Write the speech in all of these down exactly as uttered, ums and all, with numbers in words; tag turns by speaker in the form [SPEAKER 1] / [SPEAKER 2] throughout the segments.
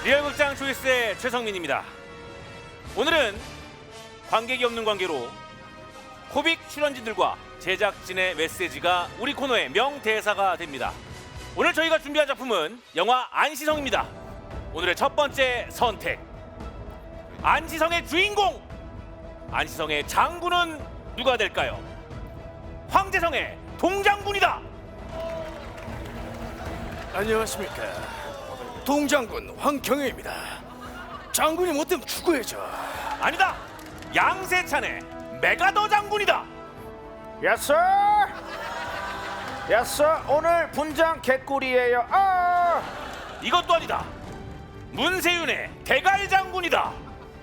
[SPEAKER 1] 리얼극장 초이스의 최성민입니다. 오늘은 관객이 없는 관계로 코빅 출연진들과 제작진의 메시지가 우리 코너의 명대사가 됩니다. 오늘 저희가 준비한 작품은 영화 안시성입니다. 오늘의 첫 번째 선택, 안시성의 주인공! 안시성의 장군은 누가 될까요? 황제성의 동장군이다!
[SPEAKER 2] 안녕하십니까. 동장군 황경혜입니다. 장군이 못되면 죽어야죠.
[SPEAKER 1] 아니다! 양세찬의 메가더 장군이다!
[SPEAKER 3] 야스! 야스! 오늘 분장 개꿀이에요. 아!
[SPEAKER 1] 이것도 아니다! 문세윤의 대갈 장군이다!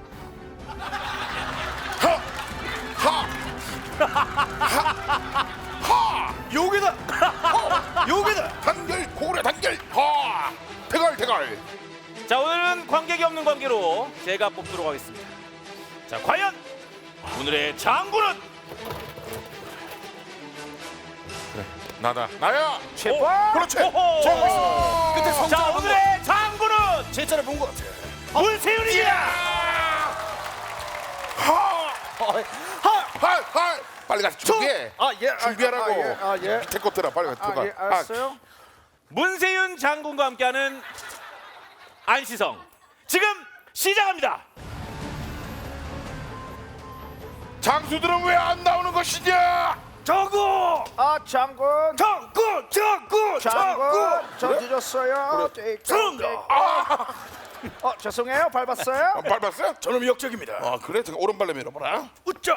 [SPEAKER 2] 요괴다. 어, 요괴다.
[SPEAKER 4] 단결 고래 단결 하 대갈 대갈.
[SPEAKER 1] 자, 오늘은 관객이 없는 관계로 제가 뽑도록 하겠습니다. 자, 과연 오늘의 장군은?
[SPEAKER 4] 그래 나다 나야.
[SPEAKER 3] 제발!
[SPEAKER 4] 그렇지.
[SPEAKER 1] 오호!
[SPEAKER 4] 자,
[SPEAKER 2] 그때
[SPEAKER 1] 자,
[SPEAKER 2] 성장
[SPEAKER 1] 오늘의 장군은
[SPEAKER 2] 제 차례 본것 같아.
[SPEAKER 1] 문세윤입니다!
[SPEAKER 4] 하하하 빨리 가서 준비해.
[SPEAKER 3] 아, 예.
[SPEAKER 4] 준비하라고.
[SPEAKER 3] 아, 예. 아, 예.
[SPEAKER 4] 밑에 거 들어 빨리 가
[SPEAKER 3] 아,
[SPEAKER 4] 들어가.
[SPEAKER 3] 예. 알았어요.
[SPEAKER 1] 문세윤 장군과 함께하는 안시성, 지금 시작합니다.
[SPEAKER 4] 장수들은 왜 안 나오는 것이냐?
[SPEAKER 2] 장군.
[SPEAKER 3] 아, 장군.
[SPEAKER 2] 장군. 장군.
[SPEAKER 3] 장군. 저 늦었어요. 네,
[SPEAKER 2] 죄송합니다.
[SPEAKER 4] 아,
[SPEAKER 3] 어, 죄송해요. 밟았어요.
[SPEAKER 4] 안 밟았어?
[SPEAKER 2] 저는 역적입니다.
[SPEAKER 4] 아 그래? 제가 오른발로 밀어보라.
[SPEAKER 2] 웃자.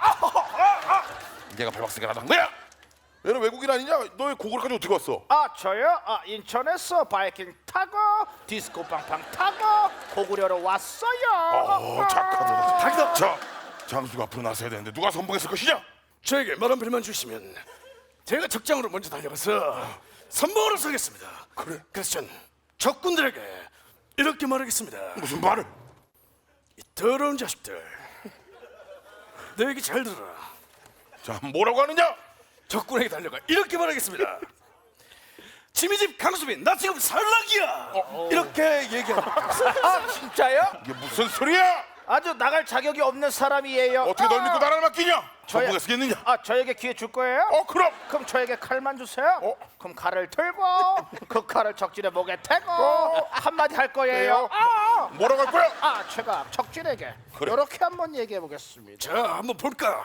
[SPEAKER 4] 얘가 밟았으니까 나도 한 거야. 얘는 외국인 아니냐? 너의 고글까지 어떻게 왔어?
[SPEAKER 3] 아, 저요? 아, 인천에서 바이킹 타고 디스코 빵빵 타고 고구려로 왔어요.
[SPEAKER 4] 어 착하다.
[SPEAKER 2] 닭이다.
[SPEAKER 4] 자 장수가 앞으로 나서야 되는데 누가 선봉했을 것이냐?
[SPEAKER 2] 저에게 말 한 필만 주시면 제가 적장으로 먼저 달려가서 선봉으로 서겠습니다.
[SPEAKER 4] 그래?
[SPEAKER 2] 그래서 전 적군들에게 이렇게 말하겠습니다.
[SPEAKER 4] 무슨 말을?
[SPEAKER 2] 이 더러운 자식들, 너 얘기 잘 들어라.
[SPEAKER 4] 자 뭐라고 하느냐?
[SPEAKER 2] 적군에게 달려가 이렇게 말하겠습니다. 지미집 강수빈, 나 지금 살락이야. 이렇게 얘기합니다.
[SPEAKER 3] 아, 진짜요?
[SPEAKER 4] 이게 무슨 소리야?
[SPEAKER 3] 아주 나갈 자격이 없는 사람이에요.
[SPEAKER 4] 어떻게
[SPEAKER 3] 아,
[SPEAKER 4] 널 믿고 나라를 맡기냐?
[SPEAKER 3] 저야-
[SPEAKER 4] 선봉에 쓰겠느냐?
[SPEAKER 3] 아, 저에게 기회 줄 거예요?
[SPEAKER 4] 어 그럼
[SPEAKER 3] 그럼 저에게 칼만 주세요.
[SPEAKER 4] 어?
[SPEAKER 3] 그럼 칼을 들고 그 칼을 적진의 목에 대고
[SPEAKER 4] 어?
[SPEAKER 3] 한마디 할 거예요.
[SPEAKER 4] 그래요?
[SPEAKER 3] 아,
[SPEAKER 4] 뭐라고 할 거야?
[SPEAKER 3] 아, 제가 적진에게
[SPEAKER 4] 그래.
[SPEAKER 3] 이렇게 한번 얘기해 보겠습니다.
[SPEAKER 2] 자, 한번 볼까?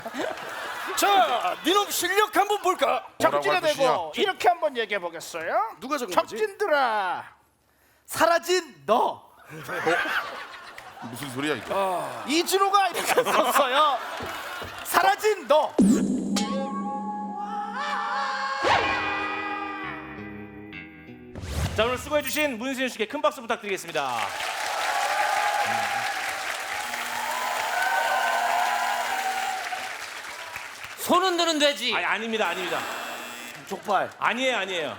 [SPEAKER 2] 자, 니놈 실력 한번 볼까?
[SPEAKER 3] 적진에
[SPEAKER 4] 뭐라고 할
[SPEAKER 3] 대고 이렇게 한번 얘기해 보겠어요.
[SPEAKER 2] 누가 적은 거지?
[SPEAKER 3] 적진들아, 사라진 너.
[SPEAKER 4] 무슨 소리야 이거?
[SPEAKER 3] 이진호가 이렇게 썼어요. 사라진 너.
[SPEAKER 1] 자, 오늘 수고해주신 문세윤 씨께 큰 박수 부탁드리겠습니다.
[SPEAKER 5] 손 흔드는 돼지.
[SPEAKER 1] 아니, 아닙니다, 아닙니다.
[SPEAKER 3] 족발.
[SPEAKER 1] 아니에요, 아니에요.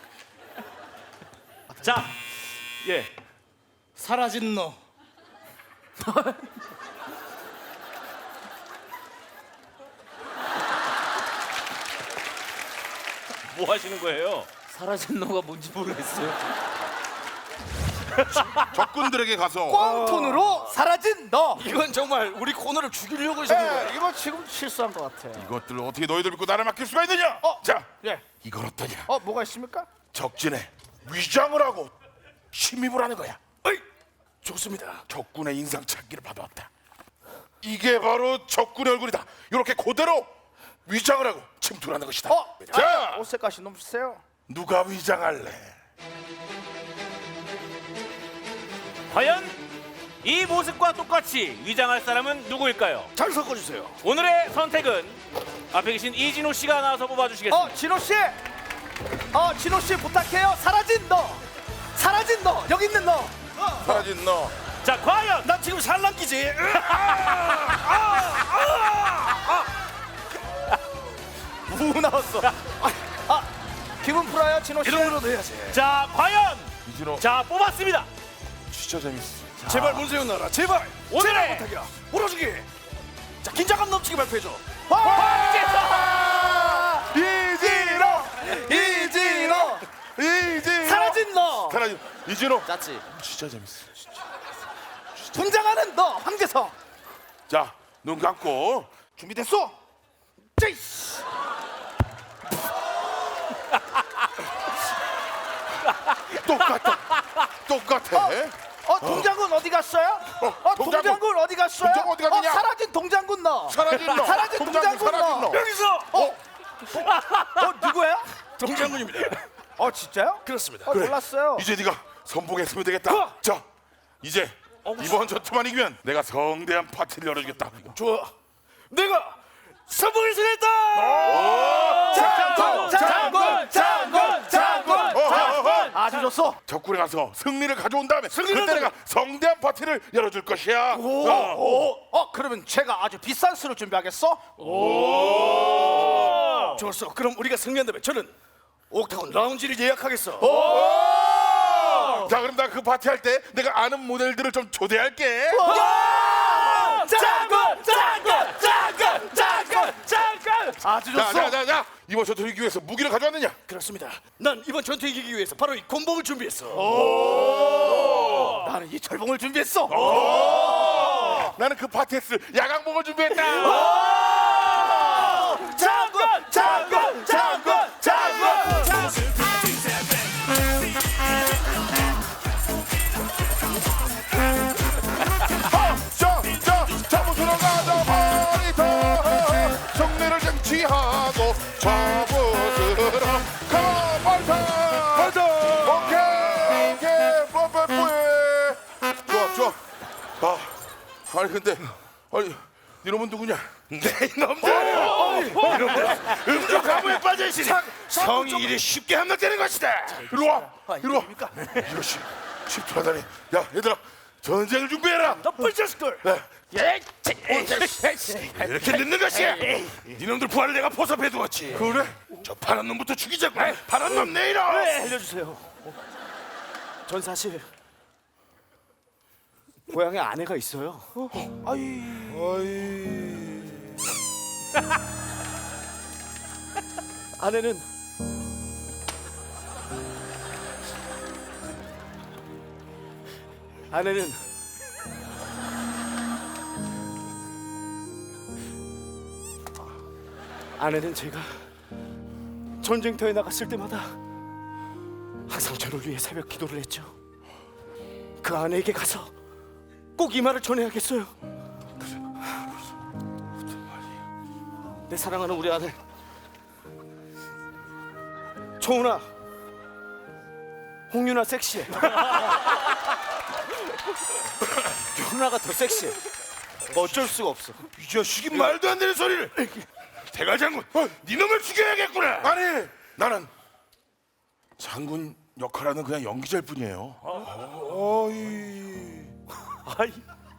[SPEAKER 1] 자, 예.
[SPEAKER 2] 사라진 너.
[SPEAKER 1] 뭐 하시는 거예요?
[SPEAKER 5] 사라진 너가 뭔지 모르겠어요.
[SPEAKER 4] 적군들에게 가서
[SPEAKER 3] 꽝톤으로 사라진 너.
[SPEAKER 2] 이건 정말 우리 코너를 죽이려고 하시는
[SPEAKER 3] 예,
[SPEAKER 2] 거예요.
[SPEAKER 3] 이거 지금 실수한 것 같아요.
[SPEAKER 4] 이것들을 어떻게 너희들 믿고 나를 맡길 수가 있느냐?
[SPEAKER 3] 어,
[SPEAKER 4] 자,
[SPEAKER 3] 예.
[SPEAKER 4] 이건 어떠냐?
[SPEAKER 3] 어, 뭐가 있습니까?
[SPEAKER 4] 적진에 위장을 하고 침입을 하는 거야.
[SPEAKER 2] 어이, 좋습니다.
[SPEAKER 4] 적군의 인상 찾기를 받아왔다. 이게 바로 적군의 얼굴이다. 이렇게 그대로 위장을 하고 침투를 하는 것이다.
[SPEAKER 3] 어,
[SPEAKER 4] 자,
[SPEAKER 3] 아, 옷색까지 너무 세요.
[SPEAKER 4] 누가 위장할래?
[SPEAKER 1] 과연 이 모습과 똑같이 위장할 사람은 누구일까요?
[SPEAKER 2] 잘 섞어주세요.
[SPEAKER 1] 오늘의 선택은 앞에 계신 이진호 씨가 나와서 뽑아주시겠습니다.
[SPEAKER 3] 어, 진호 씨. 어, 진호 씨 부탁해요. 사라진 너. 사라진 너. 여기 있는 너.
[SPEAKER 4] 사라진 너.
[SPEAKER 1] 자, 과연
[SPEAKER 2] 나 지금 살랑기지.
[SPEAKER 3] 우 나왔어. 아, 아, 기분 풀어요, 진호 씨.
[SPEAKER 2] 이런 거라도 해야지.
[SPEAKER 1] 자, 과연
[SPEAKER 4] 이진호
[SPEAKER 1] 자, 뽑았습니다.
[SPEAKER 4] 진짜 재밌어.
[SPEAKER 2] 제발 문세윤 나라. 제발.
[SPEAKER 1] 오늘의-
[SPEAKER 2] 제발 부탁이야. 몰아주기. 자, 긴장감 넘치게 발표해줘.
[SPEAKER 1] 황제성!
[SPEAKER 4] 이진호! 이진호! 이진호!
[SPEAKER 3] 사라진 너.
[SPEAKER 4] 사라진 이진호
[SPEAKER 5] 짰지.
[SPEAKER 4] 진짜 재밌어.
[SPEAKER 3] 분장하는 너 황재성
[SPEAKER 4] 자, 눈 감고.
[SPEAKER 3] 준비됐어? 제이씨.
[SPEAKER 4] 똑같아. 똑같아.
[SPEAKER 3] 어 동장군 어, 디 갔어요? 어,
[SPEAKER 4] 동장군.
[SPEAKER 3] 동장군 어디 갔어요?
[SPEAKER 4] 동장군 어디 갔느냐?
[SPEAKER 3] 어, 사라진 동장군 너.
[SPEAKER 4] 사라진 너.
[SPEAKER 3] 사라진
[SPEAKER 4] 동장군
[SPEAKER 3] 동장군
[SPEAKER 4] 사라진
[SPEAKER 3] 너.
[SPEAKER 4] 너.
[SPEAKER 2] 여기서
[SPEAKER 3] 어? 어 누구예요?
[SPEAKER 2] 동장군입니다.
[SPEAKER 3] 어 진짜요?
[SPEAKER 2] 그렇습니다.
[SPEAKER 3] 어, 몰랐어요.
[SPEAKER 4] 이제 네가 선봉했으면 되겠다.
[SPEAKER 2] 어.
[SPEAKER 4] 자, 이제 이번 전투만 이기면 내가 성대한 파티를 열어주겠다.
[SPEAKER 2] 좋아. 내가 선봉을 수했다.
[SPEAKER 3] 장군 장군 장군 장군
[SPEAKER 4] 어허허허.
[SPEAKER 3] 아주 좋소.
[SPEAKER 4] 적군에 가서 승리를 가져온 다음에 그때 내가 성대한 파티를 열어줄 것이야. 어.
[SPEAKER 3] 오, 어 그러면 제가 아주 비싼 술을 준비하겠어?
[SPEAKER 2] 좋았어. 그럼 우리가 승리한다면 저는 옥타곤 라운지를 예약하겠어.
[SPEAKER 4] 자, 그럼 나 그 파티 할 때 내가 아는 모델들을 좀 초대할게.
[SPEAKER 3] 장군 장군 장군 장군 장군 아주
[SPEAKER 4] 자,
[SPEAKER 3] 좋소.
[SPEAKER 4] 자, 자, 자. 이번 전투를 이기기 위해서 무기를 가져왔느냐?
[SPEAKER 2] 그렇습니다. 난 이번 전투 이기기 위해서 바로 이 곤봉을 준비했어.
[SPEAKER 3] 나는 이 철봉을 준비했어.
[SPEAKER 4] 나는 그 파티에 쓸 야광봉을 준비했다.
[SPEAKER 3] 장군 장군 장군 장군.
[SPEAKER 4] 자, 자, 잡으러 가자 파리터. 승리를 쟁취하고 잡으러 가 파리터. 파리터. 오케이, 오케이, 뽀뽀뽀해. 좋아, 좋아. 아, 아니 근데, 아니, 이놈은 누구냐?
[SPEAKER 2] 네 이놈들. 이놈들 음주 가무에 빠져 있으니 성이 이리 쉽게 함락되는 것이다.
[SPEAKER 4] 이리 와, 이리 와. 이것이 집투하다니. 야, 얘들아, 전쟁을 준비해라.
[SPEAKER 2] 너쁜 자식들.
[SPEAKER 3] 예.
[SPEAKER 2] 이렇게 늦는 것이야. 이놈들 부하를 내가 포섭해 두었지.
[SPEAKER 4] 그래?
[SPEAKER 2] 저 파란 놈부터 죽이자고. 파란 놈 내일어.
[SPEAKER 3] 알려주세요. 전 사실 고향에 아내가 있어요. 아이. 아내는 아내는 아내는 제가 전쟁터에 나갔을 때마다 항상 저를 위해 새벽 기도를 했죠. 그 아내에게 가서 꼭 이 말을 전해야겠어요. 내 사랑하는 우리 아내 초은아, 홍윤아 섹시해. 윤아가 더 섹시해. 어쩔 수가 없어.
[SPEAKER 2] 이 자식이 말도 안 되는 소리를. 대갈장군, 네 놈을 죽여야겠구나.
[SPEAKER 4] 아니, 나는 장군 역할하는 그냥 연기자일 뿐이에요.
[SPEAKER 3] 아이.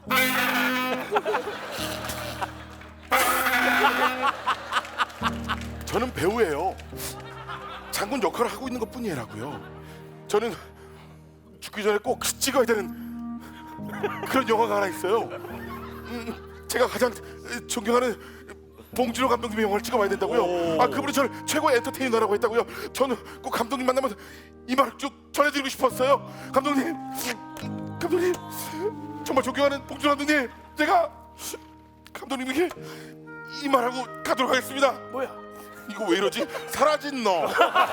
[SPEAKER 4] 저는 배우예요. 장군 역할을 하고 있는 것뿐이라고요. 저는 죽기 전에 꼭 찍어야 되는 그런 영화가 하나 있어요. 음, 제가 가장 존경하는 봉준호 감독님의 영화를 찍어봐야 된다고요. 아, 그분이 저를 최고의 엔터테이너라고 했다고요. 저는 꼭 감독님 만나면 이 말을 쭉 전해드리고 싶었어요. 감독님, 감독님, 정말 존경하는 봉준호 감독님, 제가 감독님에게 이 말하고 가도록 하겠습니다.
[SPEAKER 3] 뭐야?
[SPEAKER 4] 이거 왜 이러지? 사라진 너.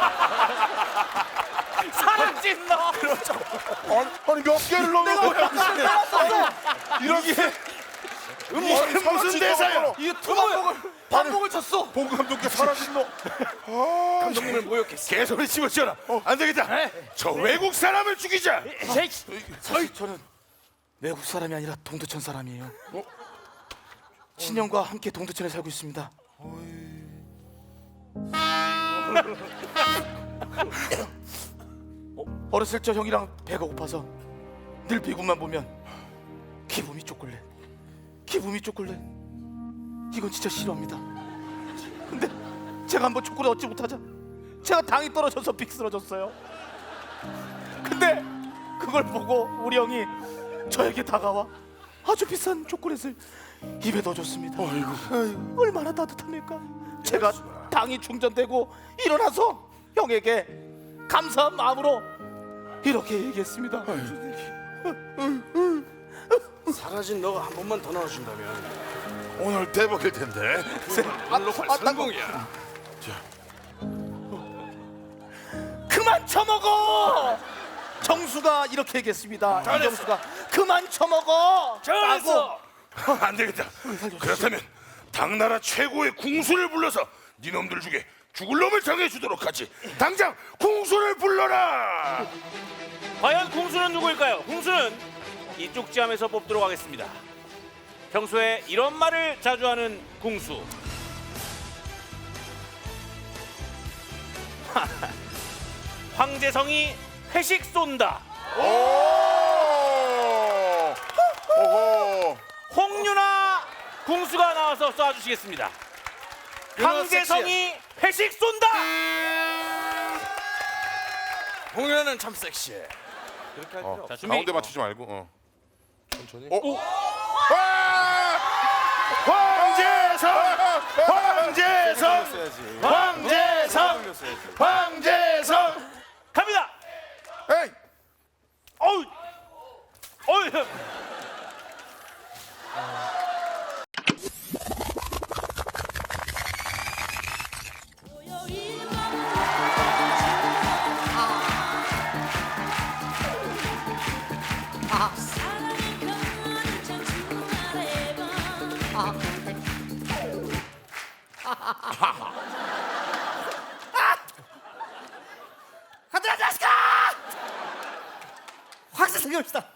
[SPEAKER 3] 사라진 너.
[SPEAKER 4] 아니, 아니 몇 개를 넣는 거야? 이러게.
[SPEAKER 2] 무슨 무슨 대사야?
[SPEAKER 3] 이 투방복을 반복을 쳤어.
[SPEAKER 4] 봉 감독께 사라진 너.
[SPEAKER 2] 감독님을 모욕했어. 개소리 집어치워라. 안 되겠다. 저 외국 사람을 죽이자.
[SPEAKER 3] 사실 저는 외국 사람이 아니라 동두천 사람이에요. 친형과 함께 동두천에 살고 있습니다. 어, 어렸을 적 형이랑 배가 고파서 늘 미국만 보면 기분이 초콜릿, 기분이 초콜릿. 이건 진짜 싫어합니다. 근데 제가 한번 초콜릿 얻지 못하자 제가 당이 떨어져서 빅 쓰러졌어요. 근데 그걸 보고 우리 형이 저에게 다가와 아주 비싼 초콜릿을 입에 넣어줬습니다. 아이고. 얼마나 따뜻합니까? 제가 당이 충전되고 일어나서 형에게 감사한 마음으로 이렇게 얘기했습니다.
[SPEAKER 2] 사라진 너가 한 번만 더 나와준다면
[SPEAKER 4] 오늘 대박일 텐데.
[SPEAKER 2] 오늘로 성공이야.
[SPEAKER 3] 그만 처먹어. 정수가 이렇게 얘기했습니다. 이정수가 그만 처먹어.
[SPEAKER 2] 잘했어.
[SPEAKER 4] 안 되겠다. 그렇다면 당나라 최고의 궁수를 불러서 네 놈들 중에 죽을 놈을 정해주도록 하지. 당장 궁수를 불러라.
[SPEAKER 1] 과연 궁수는 누구일까요? 궁수는 이 쪽지함에서 뽑도록 하겠습니다. 평소에 이런 말을 자주 하는 궁수. 황제성이 회식 쏜다.
[SPEAKER 4] 오. 오호.
[SPEAKER 1] 홍윤아 궁수가 나와서 쏴주시겠습니다. 황제성이 회식 쏜다.
[SPEAKER 2] 홍련은 참 섹시해.
[SPEAKER 4] 어,
[SPEAKER 1] 자, 준비.
[SPEAKER 4] 가운데 맞추지 말고. 어. 천천히. 어? 와! 황제성! 황제성! 황제성! 황제성!
[SPEAKER 1] 갑니다.
[SPEAKER 4] 에이!
[SPEAKER 1] 어우, 어우.
[SPEAKER 3] 가들아 자식아! 확실히 생겼다.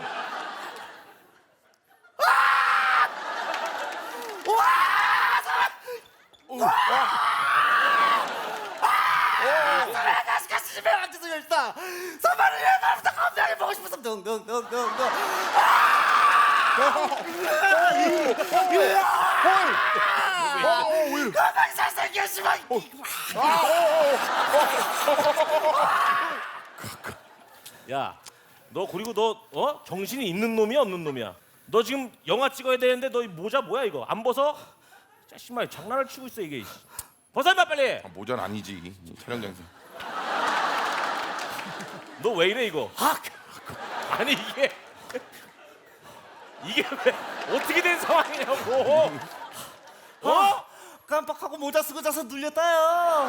[SPEAKER 3] 자식아 집에 앉아서 열다. 선발을 해 나부터 건강히 보고 싶어서 둥둥둥둥둥. 건강히 잘생겼지만
[SPEAKER 1] 야, 너 그리고 너 어? 정신이 있는 놈이야 없는 놈이야? 너 지금 영화 찍어야 되는데 너 이 모자 뭐야 이거? 안 벗어? 짜식마 장난을 치고 있어 이게. 벗어 임마 빨리.
[SPEAKER 4] 아, 모자는 아니지. 이 촬영장에서.
[SPEAKER 1] 너 왜 이래 이거? 아니 이게 이게 왜 어떻게 된 상황이냐고? 어?
[SPEAKER 3] 깜빡하고 모자 쓰고 자서 눌렸다요.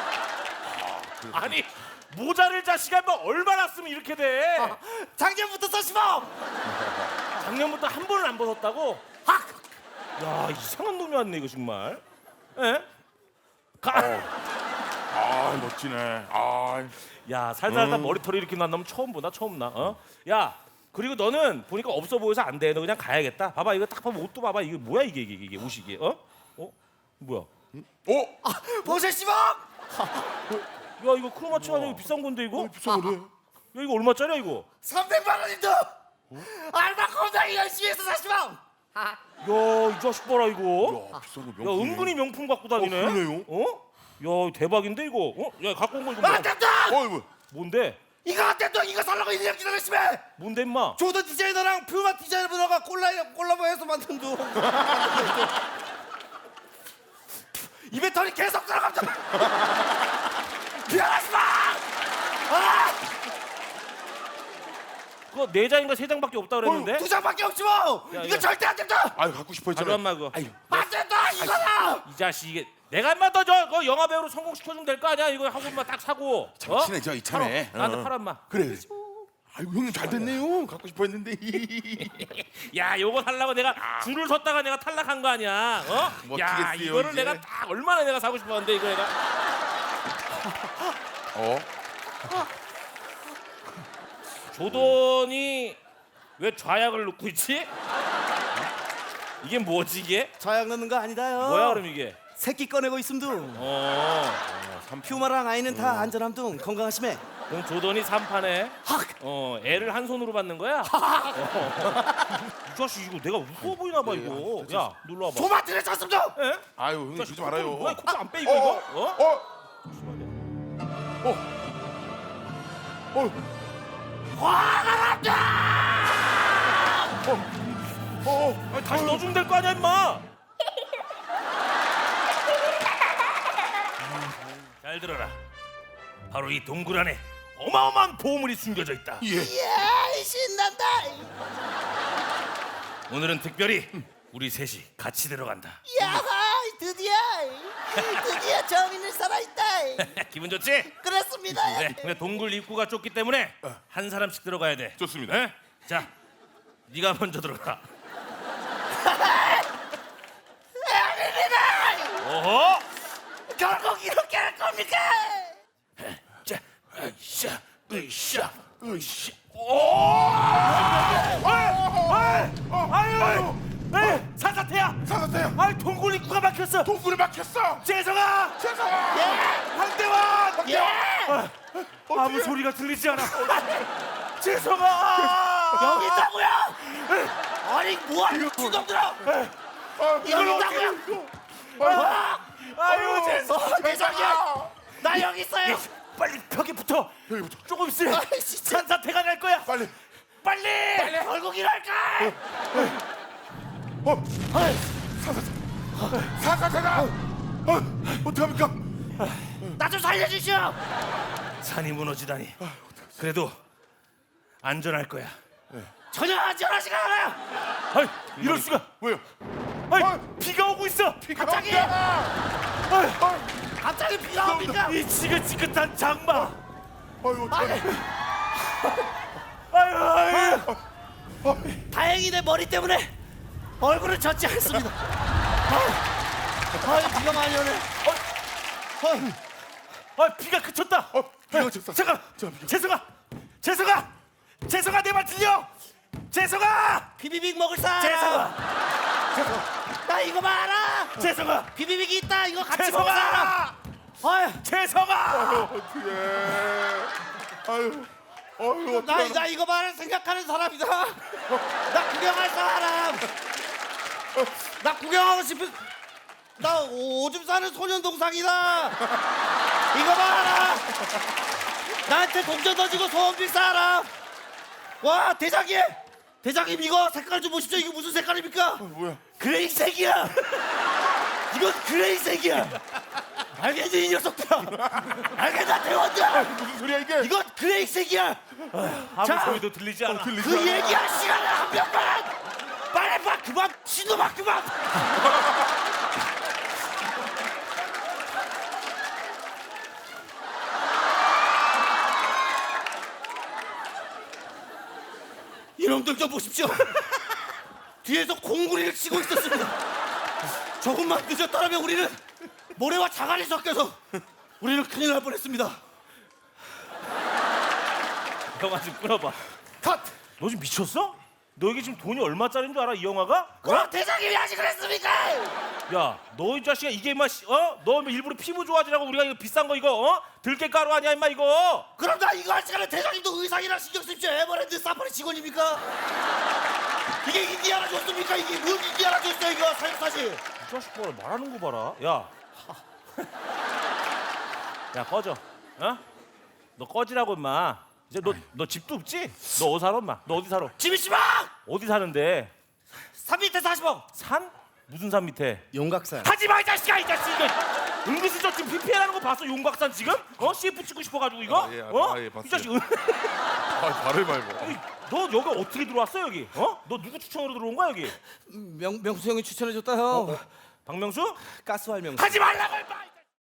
[SPEAKER 1] 아니 모자를 자식아 뭐 얼마나 쓰면 이렇게 돼?
[SPEAKER 3] 작년부터 써시범.
[SPEAKER 1] 작년부터 한 번을 안 벗었다고? 야 이상한 놈이 왔네 이거 정말. 에? 가.
[SPEAKER 4] 아, 멋지네. 아.
[SPEAKER 1] 야 살살다 머리털이 이렇게 난다면 처음 보나 처음 나. 어? 야 그리고 너는 보니까 없어 보여서 안 돼. 너 그냥 가야겠다. 봐봐 이거 딱 봐봐 옷도 봐봐 이게 뭐야 이게 이게 이게 옷이 이게 어? 어? 뭐야?
[SPEAKER 4] 어?
[SPEAKER 3] 보실시범.
[SPEAKER 1] 야 이거 크로마치가 되게 비싼 건데 이거?
[SPEAKER 4] 비싼 거네.
[SPEAKER 1] 야 이거 얼마짜리야 이거?
[SPEAKER 3] 삼백만 원인데. 알바 겁나게 열심히 해서 사시범.
[SPEAKER 1] 야이 자식 봐라 이거.
[SPEAKER 4] 야, 비싼 거
[SPEAKER 1] 야
[SPEAKER 4] 명품이네.
[SPEAKER 1] 은근히 명품 갖고 다니네.
[SPEAKER 4] 어, 그러네요.
[SPEAKER 1] 어? 야 대박인데 이거. 어? 야 갖고 온 거 이거 뭐야?
[SPEAKER 3] 맞다.
[SPEAKER 4] 어이 뭐.
[SPEAKER 1] 뭔데?
[SPEAKER 3] 이거 어땠어? 이거 살라고 일 년 기다렸으면.
[SPEAKER 1] 뭔데 임마?
[SPEAKER 3] 조던 디자이너랑 퓨마 디자이너가 콜라 콜라보해서 만든 도. 입에 털이 계속 들어갑니다. 미안하지마. 아,
[SPEAKER 1] 그거 네 장인가 세 장밖에 없다 그랬는데?
[SPEAKER 3] 두 장밖에 없지 뭐.
[SPEAKER 1] 야,
[SPEAKER 3] 이거
[SPEAKER 1] 야.
[SPEAKER 3] 절대 안 된다.
[SPEAKER 4] 아유, 갖고 싶어
[SPEAKER 1] 가져
[SPEAKER 4] 했잖아.
[SPEAKER 1] 엄마 그거.
[SPEAKER 3] 안 된다 이거다.
[SPEAKER 1] 이 자식 이게 내가 인마 너저 그 영화 배우로 성공시켜주면 될 거 아니야? 이거 하고 인마 딱 사고. 어?
[SPEAKER 4] 친해 저 이참에.
[SPEAKER 1] 팔아. 나한테
[SPEAKER 4] 어.
[SPEAKER 1] 팔아 인마.
[SPEAKER 4] 그래. 아이고 형님 잘 됐네요. 갖고 싶어 했는데.
[SPEAKER 1] 야 요거 살라고 내가 줄을 섰다가 내가 탈락한 거 아니야? 어? 야
[SPEAKER 4] 멋지겠어요,
[SPEAKER 1] 이거를
[SPEAKER 4] 이제.
[SPEAKER 1] 내가 딱 얼마나 내가 사고 싶었는데 이거 내가.
[SPEAKER 4] 어?
[SPEAKER 1] 조던이 왜 좌약을 넣고 있지? 이게 뭐지 이게?
[SPEAKER 3] 자약 넣는 거 아니다요.
[SPEAKER 1] 뭐야 그럼 이게?
[SPEAKER 3] 새끼 꺼내고 있음둥.
[SPEAKER 1] 어.
[SPEAKER 3] 퓨마랑 아이는 다 안전함둥. 건강하시매.
[SPEAKER 1] 그럼 조던이 삼 판에 어 애를 한 손으로 받는 거야? 어. 이 자식 이거 내가 무서워 보이나 봐 이거. 야 놀러 와봐.
[SPEAKER 3] 토마트를 샀습니다.
[SPEAKER 1] 에?
[SPEAKER 4] 아유 형님 그러지 말아요.
[SPEAKER 1] 뭐야 코트 안 빼 이거
[SPEAKER 4] 어,
[SPEAKER 1] 이거?
[SPEAKER 4] 어,
[SPEAKER 1] 어?
[SPEAKER 4] 어. 어. 어.
[SPEAKER 1] 아니, 다시 넣어주면 될 거 아니야 임마. 잘 들어라. 바로 이 동굴 안에 어마어마한 보물이 숨겨져 있다.
[SPEAKER 4] 예.
[SPEAKER 6] 이야 신난다.
[SPEAKER 1] 오늘은 특별히 우리 셋이 같이 들어간다.
[SPEAKER 6] 야 드디어 드디어 정인을 살아있다.
[SPEAKER 1] 기분 좋지?
[SPEAKER 6] 그렇습니다.
[SPEAKER 1] 그래. 근데 동굴 입구가 좁기 때문에 한 사람씩 들어가야 돼.
[SPEAKER 4] 좋습니다.
[SPEAKER 1] 에? 자, 네가 먼저 들어가. 어허!
[SPEAKER 6] 결국 이렇게 할 겁니까?
[SPEAKER 1] 자, 으쌰, 으쌰, 으쌰. 아유, 에, 산사태야.
[SPEAKER 4] 사사태야.
[SPEAKER 1] 아, 동굴 입구가 막혔어.
[SPEAKER 4] 동굴에 막혔어.
[SPEAKER 1] 재성아,
[SPEAKER 4] 재성아.
[SPEAKER 1] 황대원.
[SPEAKER 6] 예.
[SPEAKER 1] 아무 소리가 들리지 않아. 재성아,
[SPEAKER 6] 여기 있다고요? 아니 뭐하는 주동들어?
[SPEAKER 4] 아,
[SPEAKER 6] 여기 있다고요?
[SPEAKER 1] 아유, 재성.
[SPEAKER 6] 어, 대장이야. 나 여기 있어요.
[SPEAKER 1] 빨리 벽에 붙어.
[SPEAKER 4] 여기 붙어.
[SPEAKER 1] 조금 있으면
[SPEAKER 6] 아이, 진짜.
[SPEAKER 1] 산사태가 날 거야.
[SPEAKER 4] 빨리.
[SPEAKER 1] 빨리.
[SPEAKER 6] 결국 이럴까?
[SPEAKER 4] 어. 사사태. 사사태다. 어. 어떡합니까?
[SPEAKER 6] 나 좀 살려주시오.
[SPEAKER 1] 산이 무너지다니. 그래도 안전할 거야.
[SPEAKER 6] 전혀 안전하지가 않아요.
[SPEAKER 1] 아이, 이럴 수가.
[SPEAKER 4] 왜요?
[SPEAKER 1] 아이,
[SPEAKER 4] 아이.
[SPEAKER 1] 비가 오고 있어.
[SPEAKER 4] 비가
[SPEAKER 6] 갑자기?
[SPEAKER 4] 온다.
[SPEAKER 1] 아이,
[SPEAKER 6] 갑자기 비가 옵니까?
[SPEAKER 1] 이 지긋지긋한 장마.
[SPEAKER 4] 아유, 어떡해.
[SPEAKER 1] 아유, 아유.
[SPEAKER 6] 다행히 내 머리 때문에 얼굴을 젖지 않습니다. 아, 아, 비가 많이 오네.
[SPEAKER 1] 아, 비가 그쳤다.
[SPEAKER 4] 어, 비가 그쳤어.
[SPEAKER 1] 잠깐.
[SPEAKER 4] 저 비가-
[SPEAKER 1] 재성아, 재성아, 재성아, 내 말 들려? 재성아,
[SPEAKER 6] 비비빅 먹을 사람.
[SPEAKER 1] 재성아,
[SPEAKER 6] 나 이거 봐라.
[SPEAKER 1] 재성아,
[SPEAKER 6] 비비빅이 있다. 이거 같이 먹을 사람.
[SPEAKER 1] 재성아,
[SPEAKER 6] 아유,
[SPEAKER 1] 재성아.
[SPEAKER 4] 어떡해. 아유. 아유,
[SPEAKER 6] 나,
[SPEAKER 4] 어떡해.
[SPEAKER 6] 나 이거 봐라 생각하는 사람이다. 나 구경할 사람. 나 구경하고 싶은. 나 오줌 싸는 소년 동상이다. 이거 봐라. 나한테 동전 던지고 소원 빌 사람. 와 대장님, 대장님 이거 색깔 좀 보십시오. 이거 무슨 색깔입니까?
[SPEAKER 4] 뭐야?
[SPEAKER 6] 그레이색이야. 이건 그레이색이야. 알겠니 이 녀석들아? 알겠나 대원들?
[SPEAKER 4] 무슨 소리야 이게?
[SPEAKER 6] 이건 그레이색이야.
[SPEAKER 1] 아무
[SPEAKER 6] 자,
[SPEAKER 1] 소리도 들리지 않아.
[SPEAKER 4] 들리지
[SPEAKER 6] 그
[SPEAKER 4] 않아.
[SPEAKER 6] 얘기할 시간을 한 명만. 빨리 봐 그만 신호봐 그만. 이놈들 좀 보십시오. 뒤에서 공구리를 치고 있었습니다. 조금만 늦었더라면 우리는 모래와 자갈이 섞여서 우리는 큰일 날 뻔했습니다.
[SPEAKER 1] 영화 좀 끊어봐.
[SPEAKER 6] 컷!
[SPEAKER 1] 너 지금 미쳤어? 너 이게 지금 돈이 얼마짜리인 줄 알아? 이 영화가?
[SPEAKER 6] 그럼 대장님이 아직 그랬습니까?
[SPEAKER 1] 야, 너 이 자식아 이게 임마 씨, 어? 너 일부러 피부 좋아지라고 우리가 이거 비싼 거 이거 어? 들깨가루 아니야 임마 이거?
[SPEAKER 6] 그럼 나 이거 할 시간에 대장님도 의상이랑 신경 쓰십시오. 에버랜드 사파리 직원입니까? 이게 인디아나 존스입니까? 이게 뭔 인디아나 존스야 이거 사육사실.
[SPEAKER 1] 이 자식 봐라 말하는 거 봐라. 야, 야 꺼져. 어? 너 꺼지라고 임마. 이제 너 너 집도 없지? 너 어디 살아 임마? 너 어디 살아?
[SPEAKER 6] 집이 씨발!
[SPEAKER 1] 어디 사는데?
[SPEAKER 6] 삼 밑에 사십억.
[SPEAKER 1] 산? 무슨 산 밑에?
[SPEAKER 6] 용각산.
[SPEAKER 1] 하지 마 이 자식아 이 자식 이거 은근슬쩍 지금 피피엘하는 거 봤어 용각산 지금? 어? 씨에프 찍고 싶어가지고 이거?
[SPEAKER 4] 아, 예, 아,
[SPEAKER 1] 어?
[SPEAKER 4] 아, 예, 봤어요.
[SPEAKER 1] 이 자식 은-
[SPEAKER 4] 아, 말을 말고.
[SPEAKER 1] 아니, 너 여기 어떻게 들어왔어 여기? 어? 너 누구 추천으로 들어온 거야 여기?
[SPEAKER 6] 명 명수 형이 추천해줬다 형.
[SPEAKER 1] 박명수?
[SPEAKER 6] 가스활 명수.
[SPEAKER 1] 하지 말라고 임마!